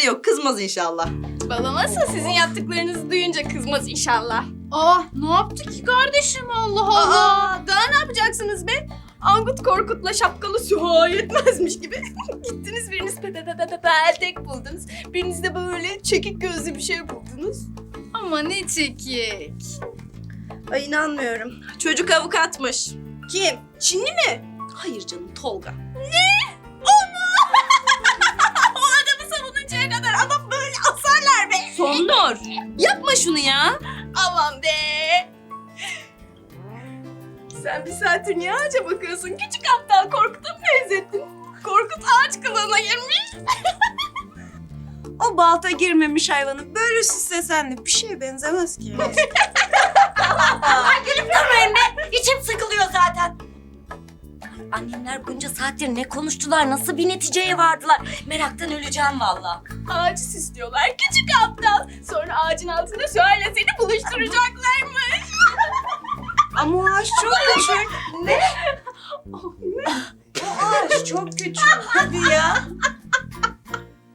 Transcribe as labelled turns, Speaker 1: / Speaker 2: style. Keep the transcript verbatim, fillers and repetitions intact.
Speaker 1: yok. Kızmaz inşallah.
Speaker 2: Baba nasıl sizin yaptıklarınızı duyunca kızmaz inşallah.
Speaker 3: Aa, ne yaptı ki kardeşim, Allah Allah.
Speaker 2: Aa, daha ne yapacaksınız be? Angut Korkut'la şapkalı Süha yetmezmiş gibi. Gittiniz biriniz pe pe pe pe pe peltek buldunuz. Biriniz de böyle çekik gözlü bir şey buldunuz.
Speaker 3: Ama ne çekik.
Speaker 1: Ay inanmıyorum. Çocuk avukatmış. Kim? Çinli mi? Hayır canım, Tolga.
Speaker 2: O adamı savununcaya kadar adam böyle asarlar be.
Speaker 1: Sondor. Yapma şunu ya.
Speaker 2: Aman be. Sen bir saattir niye ağaca bakıyorsun? Küçük aptal Korkut'a mı benzettin? Korkut ağaç kılığına girmiş.
Speaker 4: O balta girmemiş hayvanı böyle süslesen de bir şeye benzemez ki.
Speaker 5: Durmayın be! İçim sıkılıyor zaten. Annemler bunca saattir ne konuştular, nasıl bir neticeye vardılar? Meraktan öleceğim valla.
Speaker 2: Ağacı süslüyorlar küçük aptal. Sonra ağacın altında Süha ile seni buluşturacaklarmış.
Speaker 4: Ama o ağaç çok küçük. Ne? O ağaç çok küçük. Hadi ya.